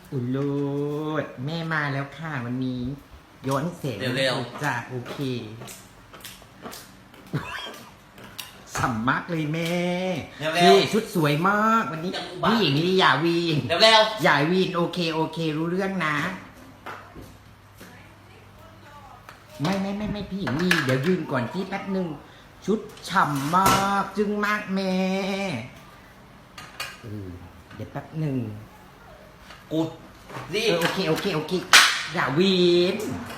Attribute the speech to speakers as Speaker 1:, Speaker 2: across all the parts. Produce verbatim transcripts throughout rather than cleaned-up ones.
Speaker 1: อุยโลดแม่มาแล้วค่ะวันนี้ย้อนเสร็จ
Speaker 2: เร็ว
Speaker 1: จ้ะโอเคสัมมากเลยแม่
Speaker 2: เร็ว
Speaker 1: นี่ชุดสวยมากวันนี้
Speaker 2: จังหวะ
Speaker 1: ผู้หญิงนี่อย่าวีน
Speaker 2: เร็วเร็ว
Speaker 1: อย่าวีนโอเคโอเครู้เรื่องนะ ไม่ไม่ไม่ไม่พี่หญิงนี่เดี๋ยวยืนก่อนที่แป๊บหนึ่งชุดฉ่ำมากจึงมากแม่เออเดี๋ยวแป๊บหนึ่ง
Speaker 2: กูรี
Speaker 1: เอบ อโอเคโอเคโอเคอย่าวีน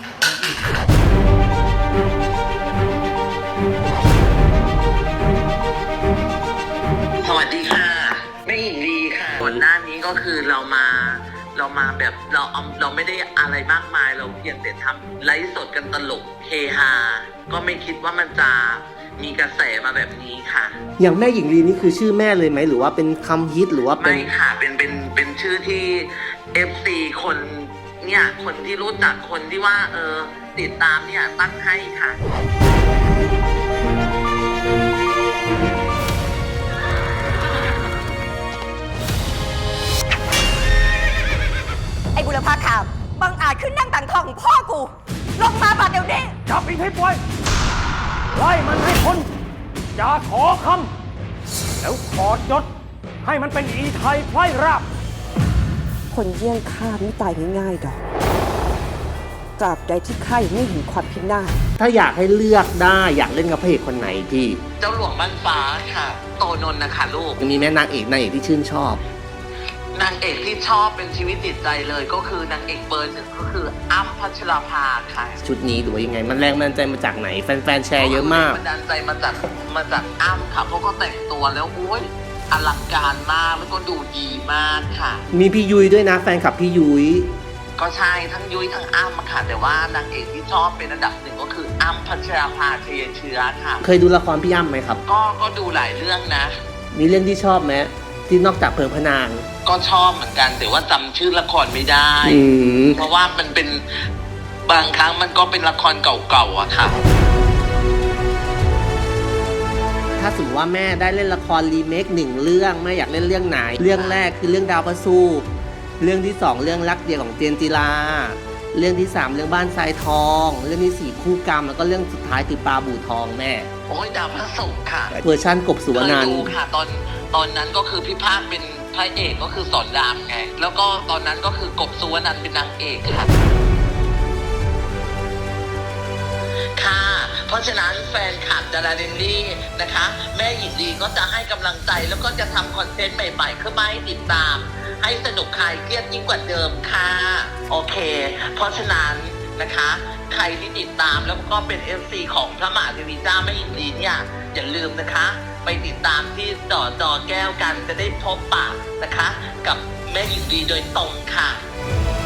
Speaker 2: สวัสดีค่ะแม่หญิงลีค่ะก่อนหน้านี้ก็คือเรามาเรามาแบบเราเอาเราไม่ได้อะไรมากมายเราเพียงแต่ทำไลฟ์สดกันตลกเฮฮาก็ไม่คิดว่ามันจะมีกระแสมาแบบนี้ค่ะ
Speaker 3: อย่างแม่หญิงลีนี่คือชื่อแม่เลยไหมหรือว่าเป็นคำฮิตหรือว่าเป็น
Speaker 2: ไม่ค่ะเป็นเป็นเป็นชื่อที่ เอฟ ซี คนเนี่ยคนที่รู้จักคนที่ว่าเออติดตามเนี่ยตั้งให้ค่ะ
Speaker 4: ไอ้บุรพาขาวบังอาจขึ้นนั่งต่างทองของพ่อกู ลงมาบาดเดี๋ยวนี้
Speaker 5: จับอีกให้ปล่อยไล่มันให้พ้นอย่าขอคำแล้วขอดยศให้มันเป็นอีไทยไพร่ราบ
Speaker 4: คนเยี่ยงข้าไม่ตายง่ายๆดอก ตราบใดที่ข้ายังไม่เห็นความพินาศ
Speaker 3: ถ้าอยากให้เลือกได้อยากเล่นกับพระเอกคนไหนพี่
Speaker 2: เจ้าหลวงบ้านฟ้าค่ะ โตนนท์นะคะลูก
Speaker 3: ยังมีแม่นางเอกนางเอกที่ชื่นชอบ
Speaker 2: นางเอกที่ชอบเป็นชีวิตจิตใจเลยก็คือนางเอกเบอร์หนึ่งก็คืออ้ำพัชราภาค่ะ
Speaker 3: ชุดนี้หรือว่ายังไงมันแรงบันดาลใจมาจากไหนแฟนๆแชร์เยอะมาก
Speaker 2: บันดาลใจมาจากมาจากอ้ำค่ะเพราะเขาแต่งตัวแล้วโอ้ยอลังการมากแล้วก็ดูดีมากค่ะ
Speaker 3: มีพี่ยุ้ยด้วยนะแฟนคลับพี่ยุ้ย
Speaker 2: ก็ใช่ทั้งยุ้ยทั้งอ้ำค่ะแต่ว่านางเอกที่ชอบเป็นอันดับหนึ่งก็คืออ้ำพัชราภาเชียเชื้อค่ะ
Speaker 3: เคยดูละครพี่อ้ำไหมครับ
Speaker 2: ก็ก็ดูหลายเรื่องนะ
Speaker 3: มีเรื่องที่ชอบไหมที่นอกจากเพลิงพระนาง
Speaker 2: ก็ชอบเหมือนกันแต่ว่าจำชื่อละครไม่ได้
Speaker 3: อืม
Speaker 2: เพราะว่ามันเป็นบางครั้งมันก็เป็นละครเก่าๆอะค่ะ
Speaker 3: ถ้าสมมติว่าแม่ได้เล่นละครรีเมคหนึ่งเรื่องแม่อยากเล่นเรื่องไหน เรื่องแรกคือเรื่องดาวประสูบเรื่องที่สองเรื่องรักเดียวของเจนจิลาเรื่องที่สามเรื่องบ้านทรายทอง เรื่องที่สี่คู่กรรมแล้วก็เรื่องสุดท้ายคือปลาบู่ทองแม่
Speaker 2: โอ้ยดาวพระศุกร์ค่ะ
Speaker 3: เวอร์ชันกบสุวรร
Speaker 2: เค
Speaker 3: ณั
Speaker 2: ย
Speaker 3: น
Speaker 2: ดู
Speaker 3: ท์
Speaker 2: ค่ะตอนตอนนั้นก็คือพี่ภาคเป็นพระเอกก็คือสอนรามไงแล้วก็ตอนนั้นก็คือกบสุวรรณันท์เป็นนางเอกค่ะค่ะ เพราะฉะนั้นแฟนคลับดาราเดนลี่นะคะ แม่หญิงดีก็จะให้กำลังใจแล้วก็จะทำคอนเทนต์ใหม่ๆขึ้นมาให้ติดตาม ให้สนุกคลายเครียดยิ่งกว่าเดิมค่ะโอเค เพราะฉะนั้นนะคะ ใครที่ติดตามแล้วก็เป็น เอฟ ซี ของพระมหาเทวีเจ้าแม่หญิงดีเนี่ยอย่าลืมนะคะ ไปติดตามที่ต่อจอแก้วกันจะได้พบปะนะคะ กับแม่หญิงดีโดยตรงค่ะ